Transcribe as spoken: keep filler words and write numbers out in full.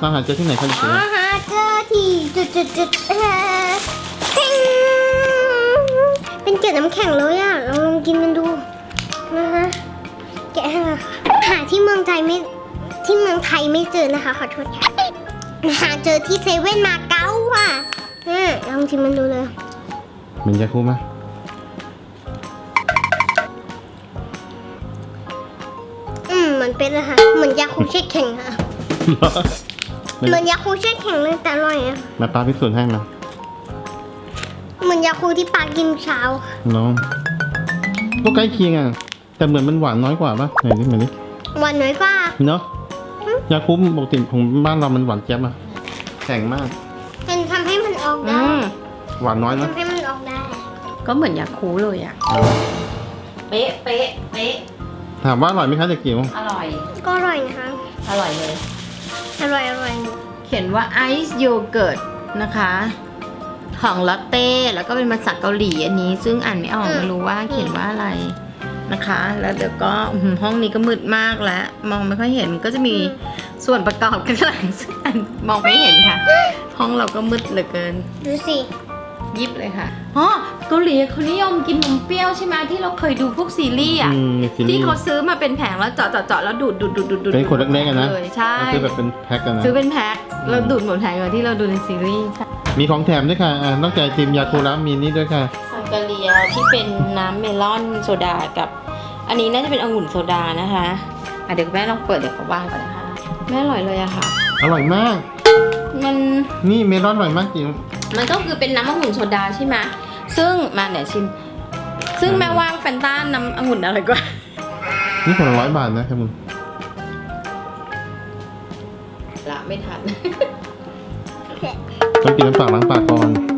ตามหาเจอที่ไหนคะลูกอ๋อหาเจอที่จุดจุดจุดเออเป็นเกล็ดน้ำแข็งเลยอ่ะลองกินกันดูนะคะแกะให้มาหาที่เมืองไทยไม่ที่เมืองไทยไม่เจอนะคะขอโทษค่ะหาเจอที่เซเว่นมาเก๊าค่ะอืมลองชิมมันดูเลยเหมือนยาคูไหมอืมเหมือนเป็นเลยค่ะเหมือนยาคูเช็คแข็งค่ะเหมือนยาคูเช็คแข็งเลยแต่อร่อยอะมาป้าพิสูจน์ให้มาเหมือนยาคูที่ปากินเช้าน้องก็ใกล้เคียงอ่ะแต่เหมือนมันหวานน้อยกว่าป่ะไหนดิเหมือนดิหวานน้อยกว่าเนาะยาคูปกติของบ้านเรามันหวานแจ๊บอ่ะแข็งมากเป็นทำให้มันออกอืได้มหวานน้อยนะทำให้มันออกได้ก็เหมือนยาคูเลยอ่ะเป๊ะเป๊ะเป๊ะถามว่าอร่อยไหมคะเด็กจิ๋วอร่อยก็อร่อยนะคะอร่อยเลยอร่อยอร่อยเขียนว่าไอซ์โยเกิร์ตนะคะของลอตเต้แล้วก็เป็นภาษาเกาหลีอันนี้ ซึ่งอ่านไม่ออกไม่รู้ว่าเขียนว่าอะไรนะคะ แล้วเดี๋ยวก็อื้อหือห้องนี้ก็มืดมากแล้ว มองไม่ค่อยเห็นก็จะมีส่วนประกอบกันหลังซึ่งอ่านมองไม่เห็นค่ะ ห้องเราก็มืดเหลือเกินดูสิยิบเลยค่ะอ๋อเกาหลีเขานิยมกินนมเปรี้ยวใช่ไหมที่เราเคยดูพวกซีรีส์อ่ะอืมซีรีที่ส์เขาซื้อมาเป็นแผงแล้วเจาะเจาะเจาะแล้วดูดดูดดูดดูดดูดเป็นขวดเล็กๆอะนะเลยใช่ซื้อแบบเป็นแพ็คกันนะซื้อเป็นแพ็คแล้วดูดหมดแผงเลยที่เราดูในซีรีส์มีของแถมด้วยค่ะอ่านอกจากไอติมยาคูแล้วมีนี่ด้วยค่ะซังกาเลียที่เป็นน้ำเมลอนโซดากับ อันนี้น่าจะเป็นองุ่นโซดานะคะอ่ะเดี๋ยวแม่ลองเปิดเดี๋ยวเขาวางก่อนนะคะแม่อร่อยเลยอะค่ะอร่อยมากมันนี่เมลอนอร่อยมากจิ๋วมันก็คือเป็นน้ำองุ่นโซดาใช่ไหมซึ่งมาเดี๋ยวชิม ซึ่งแม่ว่างแฟนต้าน้ำองุ่นอร่อยกว่านี่คนละร้อยบาทนะครับมึงละไม่ทันต้องกินน้ำเปล่าล้างปากก่อน